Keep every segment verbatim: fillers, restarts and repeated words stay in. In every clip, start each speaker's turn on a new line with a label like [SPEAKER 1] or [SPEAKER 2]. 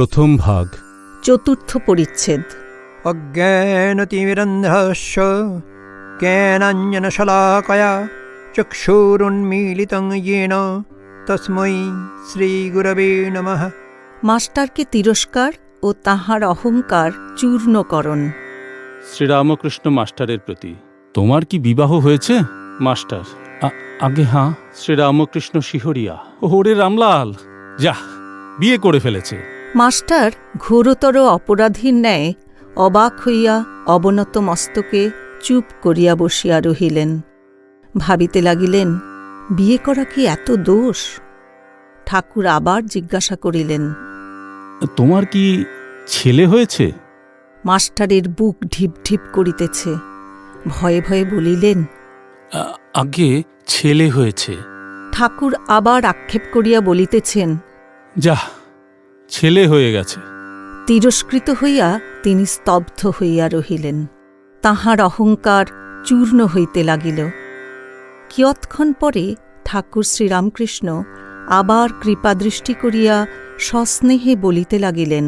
[SPEAKER 1] প্রথম ভাগ,
[SPEAKER 2] চতুর্থ পরিচ্ছেদ।
[SPEAKER 3] অজ্ঞানতিমিরন্ধস্য জ্ঞানাঞ্জনশলাকয়া চক্ষুরুন্মীলিতং येन তস্मै শ্রীগুরবে নমঃ।
[SPEAKER 2] মাস্টারকে তিরস্কার ও তাহার অহংকার চূর্ণকরণ।
[SPEAKER 1] শ্রীরামকৃষ্ণ মাস্টারের প্রতি। তোমার কি বিবাহ হয়েছে? মাস্টার: আগে হ্যাঁ। শ্রীরামকৃষ্ণ শিহরিয়া: ওরে রামলাল, যা, বিয়ে করে ফেলেছে।
[SPEAKER 2] মাস্টার ঘোরতর অপরাধীর ন্যায় অবাক হইয়া অবনত মস্তকে চুপ করিয়া বসিয়া রহিলেন। ভাবিতে লাগিলেন, বিয়ে করা কি এত দোষ? ঠাকুর আবার জিজ্ঞাসা করিলেন,
[SPEAKER 1] তোমার কি ছেলে হয়েছে?
[SPEAKER 2] মাস্টারের বুক ঢিপ ঢিপ করিতেছে। ভয়ে ভয়ে বলিলেন,
[SPEAKER 1] আগে ছেলে হয়েছে।
[SPEAKER 2] ঠাকুর আবার আক্ষেপ করিয়া বলিতেছেন,
[SPEAKER 1] যা, ছেলে হয়ে গেছে।
[SPEAKER 2] তিরস্কৃত হইয়া তিনি স্তব্ধ হইয়া রহিলেন। তাহার অহংকার চূর্ণ হইতে লাগিল। কিয়ৎক্ষণ পরে ঠাকুর শ্রীরামকৃষ্ণ আবার কৃপাদৃষ্টি করিয়া সস্নেহে বলিতে লাগিলেন,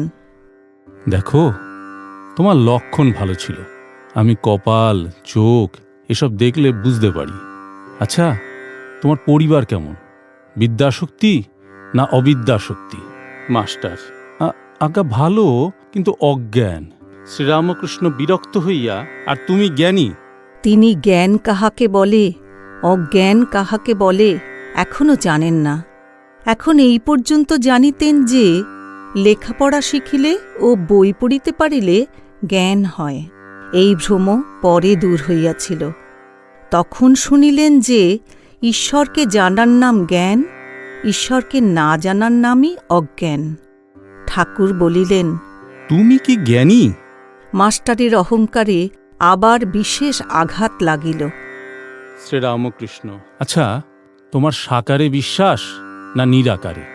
[SPEAKER 1] দেখো, তোমার লক্ষণ ভালো ছিল। আমি কপাল, চোখ এসব দেখলে বুঝতে পারি। আচ্ছা, তোমার পরিবার কেমন? বিদ্যাশক্তি না অবিদ্যাশক্তি? মাস্টার: আজ্ঞা ভালো, কিন্তু অজ্ঞান। শ্রীরামকৃষ্ণ বিরক্ত হইয়া: আর তুমি জ্ঞানী?
[SPEAKER 2] তিনি জ্ঞান কাহাকে বলে, অজ্ঞান কাহাকে বলে এখনও জানেন না। এখন এই পর্যন্ত জানিতেন যে লেখাপড়া শিখিলে ও বই পড়িতে পারিলে জ্ঞান হয়। এই ভ্রম পরে দূর হইয়াছিল। তখন শুনিলেন যে ঈশ্বরকে জানার নাম জ্ঞান, ঈশ্বরকে না জানার নামই অজ্ঞান। ঠাকুর বলিলেন,
[SPEAKER 1] তুমি কি জ্ঞানী?
[SPEAKER 2] মাস্টারের অহংকারে আবার বিশেষ আঘাত লাগিল।
[SPEAKER 1] শ্রীরামকৃষ্ণ: আচ্ছা, তোমার সাকারে বিশ্বাস না নিরাকারে?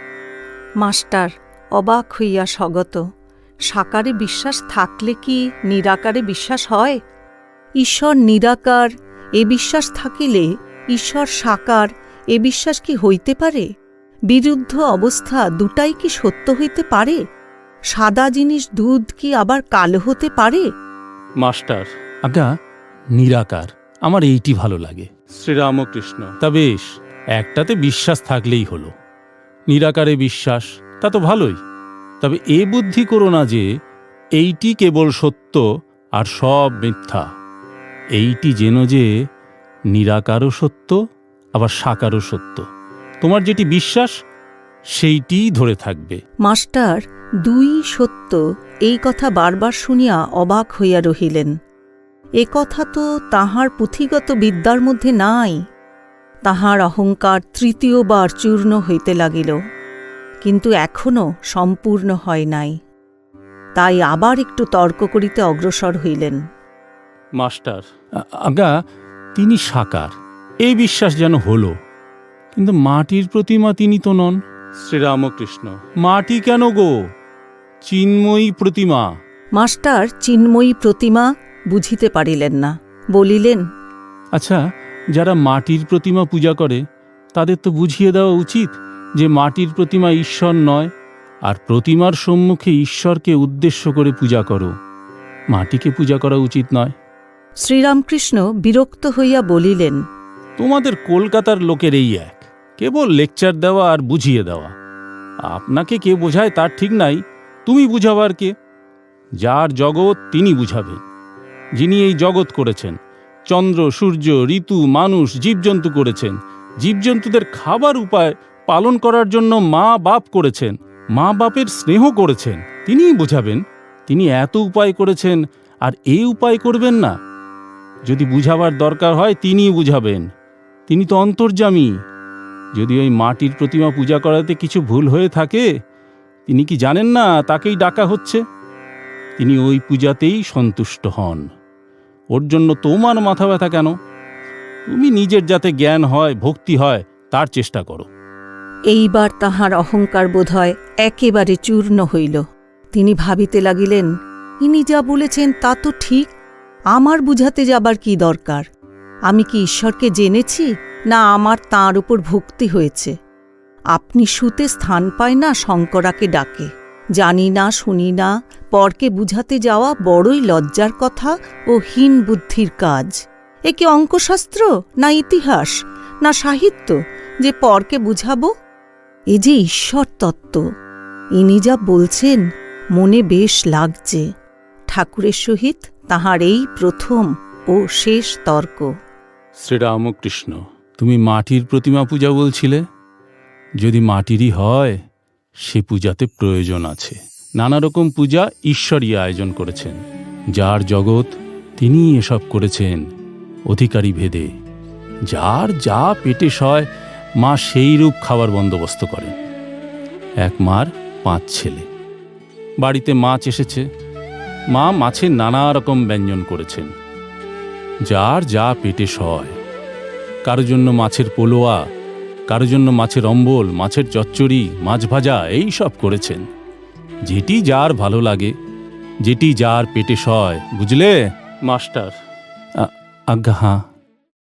[SPEAKER 2] মাস্টার অবাক হইয়া স্বগত। সাকারে বিশ্বাস থাকলে কি নিরাকারে বিশ্বাস হয়? ঈশ্বর নিরাকার এ বিশ্বাস থাকিলে ঈশ্বর সাকার এ বিশ্বাস কি হইতে পারে? বিরুদ্ধ অবস্থা দুটাই কি সত্য হইতে পারে? সাদা জিনিস দুধ কি আবার কালো হতে পারে?
[SPEAKER 1] মাস্টার: আজ্ঞা, নিরাকার আমার এইটি ভালো লাগে। শ্রীরামকৃষ্ণ: তা বেশ, একটাতে বিশ্বাস থাকলেই হলো। নিরাকারে বিশ্বাস, তা তো ভালোই। তবে এ বুদ্ধি করো না যে এইটি কেবল সত্য আর সব মিথ্যা। এইটি যেন যে নিরাকারও সত্য, আবার সাকারও সত্য। তোমার যেটি বিশ্বাস সেইটিই ধরে থাকবে।
[SPEAKER 2] মাস্টার দুই সত্য এই কথা বারবার শুনিয়া অবাক হইয়া রহিলেন। এ কথা তো তাহার পুঁথিগত বিদ্যার মধ্যে নাই। তাহার অহংকার তৃতীয়বার চূর্ণ হইতে লাগিল, কিন্তু এখনও সম্পূর্ণ হয় নাই। তাই আবার একটু তর্ক করিতে অগ্রসর হইলেন।
[SPEAKER 1] মাস্টার: আজ্ঞা, তিনি সাকার, এই বিশ্বাস যেন হলো, কিন্তু মাটির প্রতিমা তিনি তো নন। শ্রীরামকৃষ্ণ: মাটি কেন গো? চিন্ময়ী প্রতিমা।
[SPEAKER 2] মাস্টার চিন্ময়ী প্রতিমা বুঝিতে পারিলেন না। বলিলেন,
[SPEAKER 1] আচ্ছা, যারা মাটির প্রতিমা পূজা করে তাদের তো বুঝিয়ে দেওয়া উচিত যে মাটির প্রতিমা ঈশ্বর নয়, আর প্রতিমার সম্মুখে ঈশ্বরকে উদ্দেশ্য করে পূজা করো, মাটিকে পূজা করা উচিত নয়।
[SPEAKER 2] শ্রীরামকৃষ্ণ বিরক্ত হইয়া বলিলেন,
[SPEAKER 1] তোমাদের কলকাতার লোকের এই এক, কেবল লেকচার দেওয়া আর বুঝিয়ে দেওয়া। আপনাকে কে বোঝায় তার ঠিক নাই, তুমি বুঝাবার কে? যার জগৎ তিনি বুঝাবেন। যিনি এই জগৎ করেছেন, চন্দ্র, সূর্য, ঋতু, মানুষ, জীবজন্তু করেছেন। জীবজন্তুদের খাবার উপায় পালন করার জন্য মা বাপ করেছেন, মা বাপের স্নেহ করেছেন, তিনিই বুঝাবেন। তিনি এত উপায় করেছেন, আর এই উপায় করবেন না? যদি বুঝাবার দরকার হয় তিনিই বুঝাবেন। তিনি তো অন্তর্যামী। যদি ওই মাটির প্রতিমা পূজা করাতে কিছু ভুল হয়ে থাকে, তিনি কি জানেন না তাকেই ডাকা হচ্ছে? তিনি ওই পূজাতেই সন্তুষ্ট হন। ওর জন্য তোমার মাথা ব্যথা কেন? তুমি নিজের যাতে জ্ঞান হয়, ভক্তি হয়, তার চেষ্টা করো।
[SPEAKER 2] এইবার তাহার অহংকার বোধহয় একেবারে চূর্ণ হইল। তিনি ভাবিতে লাগিলেন, ইনি যা বলেছেন তা তো ঠিক। আমার বুঝাতে যাবার কি দরকার? আমি কি ঈশ্বরকে জেনেছি, না আমার তাঁর উপর ভক্তি হয়েছে? আপনি শুতে স্থান পায় না শঙ্করাকে ডাকে, জানি না শুনি না পরকে বুঝাতে যাওয়া বড়ই লজ্জার কথা ও হীন বুদ্ধির কাজ। এ কি অঙ্কশাস্ত্র, না ইতিহাস, না সাহিত্য যে পরকে বুঝাবো? এ যে ঈশ্বর তত্ত্ব। ইনি যা বলছেন মনে বেশ লাগছে। ঠাকুরের সহিত তাহার এই প্রথম ও শেষ তর্ক।
[SPEAKER 1] শ্রীরামকৃষ্ণ, তুমি মাটির প্রতিমা পূজা বলছিলে। যদি মাটিরই হয়, সে পূজাতে প্রয়োজন আছে। নানা রকম পূজা ঈশ্বরই আয়োজন করেছেন। যার জগৎ তিনি এসব করেছেন অধিকারী ভেদে। যার যা পেটে সয়, মা সেই রূপ খাবার বন্দোবস্ত করেন। এক মার পাঁচ ছেলে। বাড়িতে মাছ এসেছে, মা মাছের নানা রকম ব্যঞ্জন করেছেন। যার যা পেটে সয়। কারো জন্য মাছের পোলোয়া, কারো জন্য মাছের অম্বল, মাছের চচ্চড়ি, মাছ ভাজা, এই সব করেছেন। যেটি যার ভালো লাগে, যেটি যার পেটে সয়, বুঝলে মাস্টার? আ- আজ্ঞা হাঁ।